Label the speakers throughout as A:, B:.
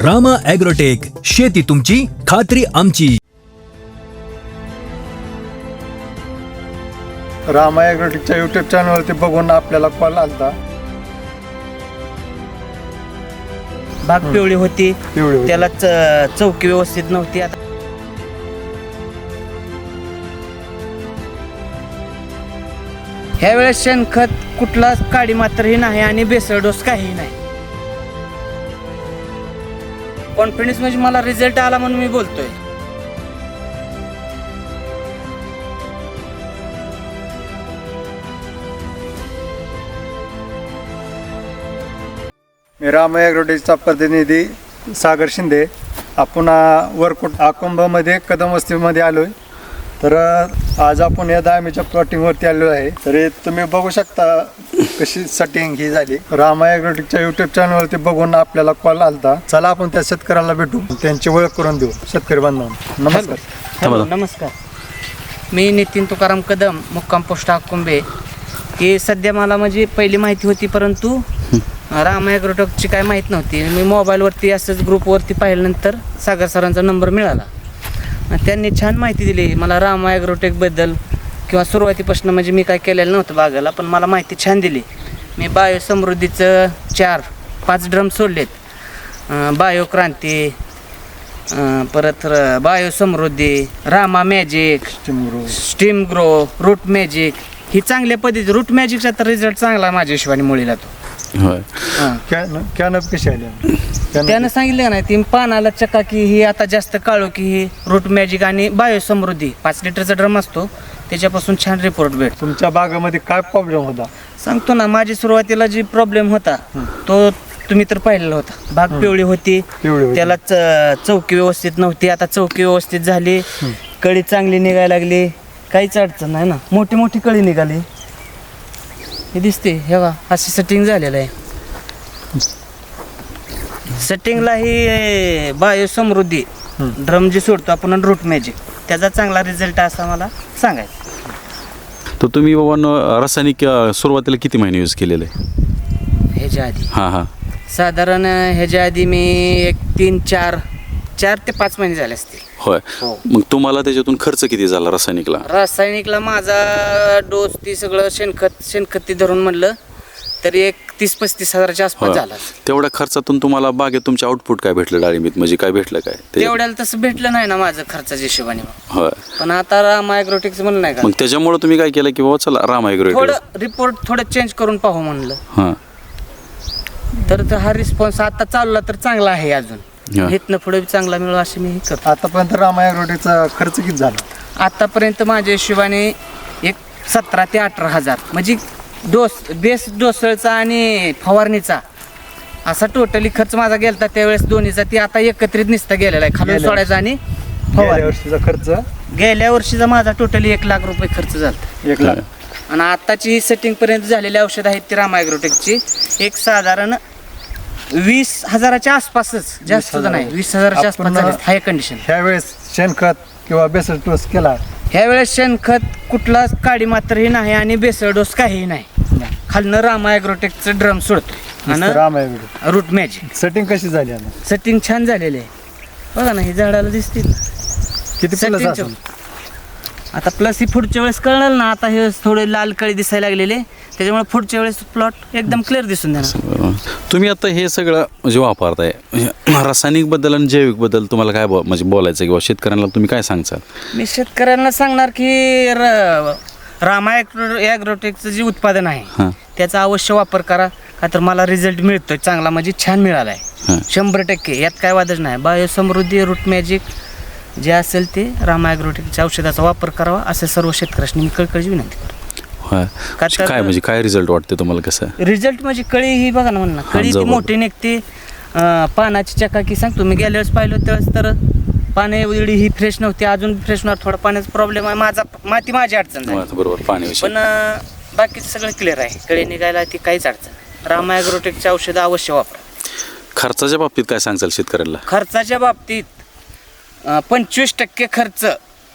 A: Rama agrotech, शेती तुमची, खात्री आमची.
B: रामा ॲग्रोटेकच्या यूट्यूब चॅनलवरती बघून आपल्याला कॉल आलता.
C: बाग पिवळी होती,
B: पिवळी होती.
C: त्याला चौकी व्यवस्थित नव्हती. आता ह्या वेळेस शेणखत कुठलाच काडी मात्रही नाही आणि बेसळ डोस काहीही नाही. कॉन्फिडन्स म्हणजे मला रिझल्ट आला म्हणून मी बोलतोय.
B: मी रामा ॲग्रोटेकचा प्रतिनिधी सागर शिंदे. आपण वरकुट आकुंभामध्ये कदम वस्तीमध्ये आलोय. तर आज आपण या दामीच्या प्लॉटिंगवरती आलेलो आहे. तर तुम्ही बघू शकता कशी सेटिंग ही झाली. रामा ॲग्रोटेकच्या यूट्यूब चॅनलवरती बघून आपल्याला कॉल आलता. चला आपण त्या शेतकऱ्याला भेटू, त्यांची ओळख करून देऊ शेतकरी बांधवांना. नमस्कार.
C: हॅलो, नमस्कार. मी नितीन तुकाराम कदम, मुक्काम पोस्ट आकुंभे. हे सध्या मला म्हणजे पहिली माहिती होती, परंतु रामा ॲग्रोटेकची काय माहीत नव्हती. मी मोबाईलवरती असंच ग्रुपवरती पाहिल्यानंतर सागर सरांचा नंबर मिळाला. त्यांनी छान माहिती दिली मला रामा ॲग्रोटेकबद्दल, किंवा सुरुवातीपासून म्हणजे मी काय केलेलं नव्हतं बागाला, पण मला माहिती छान दिली. मी बायो समृद्धीचं 4-5 ड्रम सोडलेत. बायो क्रांती, परत bio Samruddhi, Rama magic, steam grow, root magic, ही चांगल्या पद्धती. रूट मॅजिकचा तर रिझल्ट चांगला माझ्या हिशोबाने मुलीला तो.
B: कॅनप कशी आली?
C: त्यानं सांगितलं नाही ती पानाला चकाकी ही आता जास्त काळो की ही रूट मॅजिक आणि बायो समृद्धी 5 लिटरचा ड्रम असतो, त्याच्यापासून छान रिपोर्ट भेट.
B: तुमच्या बागेमध्ये काय प्रॉब्लेम होता?
C: सांगतो ना, माझी सुरुवातीला जी प्रॉब्लेम होता तो तुम्ही तर पाहिलेला होता. बाग पिवळी होती, त्याला चौकी व्यवस्थित नव्हती. आता चौकी व्यवस्थित झाली, कळी चांगली निघायला लागली, काहीच अडचण नाही ना. मोठी मोठी कळी निघाली, हे दिसते. हे बघा, अशी सेटिंग झालेलं आहे. सेटिंगला ही बायो समृद्धी ड्रम जी सोडतो आपण, रूट मॅजिक, त्याचा चांगला रिझल्ट असा मला सांगायचा.
D: तर तुम्ही बाबा रासायनिक सुरुवातीला किती महिने यूज केलेले?
C: ह्याच्या आधी
D: हां
C: साधारण ह्याच्या आधी मी एक 4 ते 5 महिने झाले असतील.
D: होय.
C: हो.
D: मग तुम्हाला त्याच्यातून खर्च किती झाला रासायनिकला?
C: रासायनिकला माझा डोस ती सगळं शेणखत धरून म्हणलं तरी एक 30-35 हजाराच्या आसपास झाला.
D: तेवढ्या खर्चातून तुम्हाला बागेत तुमचे आउटपुट काय भेटलं डाळिंबीत, म्हणजे काय भेटलं काय?
C: तेवढ्याला तसं भेटलं नाही ना माझं खर्चाच्या हिशोबाने.
D: होय.
C: पण आता रामा ॲग्रोटेकचं म्हणलं नाही का,
D: मग त्याच्यामुळे तुम्ही काय केलं की बाबा चला रामा ॲग्रोटेक
C: थोडं रिपोर्ट थोडं चेंज करून पाहू म्हणलं.
D: हां.
C: तर हा रिस्पॉन्स आता चालला तर चांगला आहे, अजून इथनं पुढे चांगला मिळू अशी मी करतो.
B: आतापर्यंत रामा ॲग्रोटेकचा खर्च किती झाला?
C: आतापर्यंत माझ्या हिशोबाने एक 17 ते 18 हजार, म्हणजे बेस डोसळचा आणि फवारणीचा असा टोटली खर्च माझा गेलता त्यावेळेस दोन्हीचा. ती आता एकत्रित निसता गेलेला आहे, खालून सोडायचा आणि
B: गेल्या वर्षीचा खर्च?
C: गेल्या वर्षीचा माझा टोटली 1 लाख रुपये खर्च झाला.
B: 1 लाख.
C: आणि आताची सेटिंग पर्यंत झालेली औषध आहेत ती रामा ॲग्रोटेकची एक साधारण 20 हजाराच्या आसपासच, जास्त सुद्धा नाही, 20 हजाराच्या आसपास झाले हाय कंडिशन.
B: ह्यावेळेस शेणखत किंवा बेसल डोस केला?
C: ह्यावेळेस शेणखत कुठलाच काडी मात्रही नाही आणि बेसळ डोस काहीही नाही. खालनं रामा ॲग्रोटेकचं ड्रम सोडतो
B: रामा
C: आणि
B: ॲग्रोटेक.
C: Route magic.
B: सेटिंग कशी झाली आता?
C: सेटिंग छान झालेली आहे. बघा ना, हे झाडाला दिसतील
B: किती प्लस
C: setting
B: असेल?
C: आता प्लस ही पुढच्या वेळेस कळणार ना. आता हे थोडे लाल कळी दिसायला लागलेले, त्याच्यामुळे पुढच्या वेळेस प्लॉट एकदम क्लिअर दिसून देणार.
D: तुम्ही आता हे सगळं म्हणजे वापरताय, रासायनिक बद्दल आणि जैविक बद्दल तुम्हाला काय म्हणजे बोलायचं किंवा शेतकऱ्यांना तुम्ही काय सांगचाल?
C: मी शेतकऱ्यांना सांगणार की रामा ॲग्रोटेकचं जे उत्पादन आहे त्याचा अवश्य वापर करा, का तर मला रिझल्ट मिळतोय चांगला, म्हणजे छान मिळाला आहे 100%. यात काय वादच नाही. बायो समृद्धी, रूट मॅजिक जे असेल ते रामा ॲग्रोटेकच्या औषधाचा वापर करावा असं सर्व शेतकऱ्यांनी मी कळकळीची विनंती करतो.
D: काय म्हणजे काय रिझल्ट वाटते तुम्हाला? कसं
C: रिझल्ट म्हणजे कळी ही बघा ना, म्हणणं कळी ती मोठी निघते, पानाची चकाकी सांगतो. मी गेल्या वेळेस पाहिलं त्यावेळेस तर पाणी एवढी ही फ्रेश नव्हती, अजून फ्रेश नव्हतं. थोडा पाण्याचा प्रॉब्लेम आहे, माझी अडचण झाली.
D: बरोबर, पाणी.
C: पण बाकीचं सगळं क्लिअर आहे, कळी निघायला ती काहीच अडचण. रामा ॲग्रोटेकची औषधं अवश्य वापरा.
D: खर्चाच्या बाबतीत काय सांगचाल शेतकऱ्याला?
C: खर्चाच्या बाबतीत 25% खर्च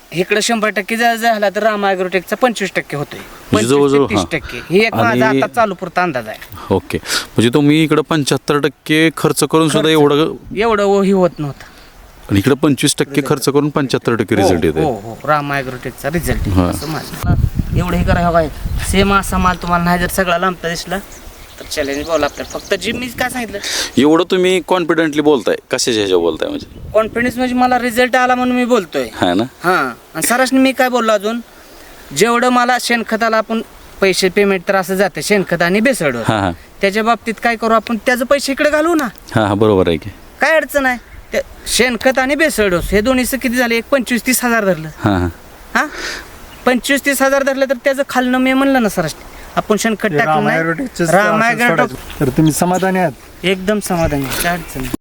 C: इकडे 100% जर झाला तर रामा ॲग्रोटेकचा 25% होतोय,
D: म्हणजे
C: 25
D: जवळजवळ,
C: ते 30%. ही एक
D: आणि-
C: माझा आता चालू पुरता अंदाज आहे.
D: ओके, म्हणजे तुम्ही इकडं 75% खर्च करून सुद्धा एवढं,
C: एवढं ही होत नव्हतं.
D: आणि इकडं 25% खर्च करून 75% रिझल्ट येते.
C: हो हो, रामा ॲग्रोटेकचा रिझल्ट
D: हा.
C: असं माझं एवढं हे करा काय सेम असा माल तुम्हाला नाही जर सगळा लांबता दिसला तर चॅलेंज बोला आपल्याला. फक्त जी मी काय सांगितलं
D: एवढं तुम्ही कॉन्फिडेंटली बोलताय, कशाच्या ह्याच्या बोलताय म्हणजे?
C: कॉन्फिडन्स म्हणजे मला रिझल्ट आला म्हणून मी बोलतोय.
D: हा ना.
C: हां, आणि सरासनी मी काय बोललो अजून, जेवढं मला शेणखताला आपण पैसे पेमेंट तर असं जाते शेणखत आणि बेसळवर,
D: हां हां
C: त्याच्या बाबतीत काय करू आपण, त्याचं पैसे इकडे घालू ना,
D: हां हां, बरोबर आहे की.
C: काय अडचण आहे. त्या शेणखत आणि बेसळ डोस हे दोन्हीचं किती झाले, एक 25-30 हजार धरलं.
D: हां हां,
C: हां, 25-30 हजार धरलं तर त्याचं खालनं मी म्हणलं ना सरासनी आपण शेणखत टाकलं
B: रामा
C: नाही.
B: ॲग्रोटेकचंच
C: रामा
B: असं
C: ॲग्रोटेक
B: सोडायचं. तर तुम्ही समाधानी आहात?
C: एकदम समाधानी आहे, काय अडचण नाही.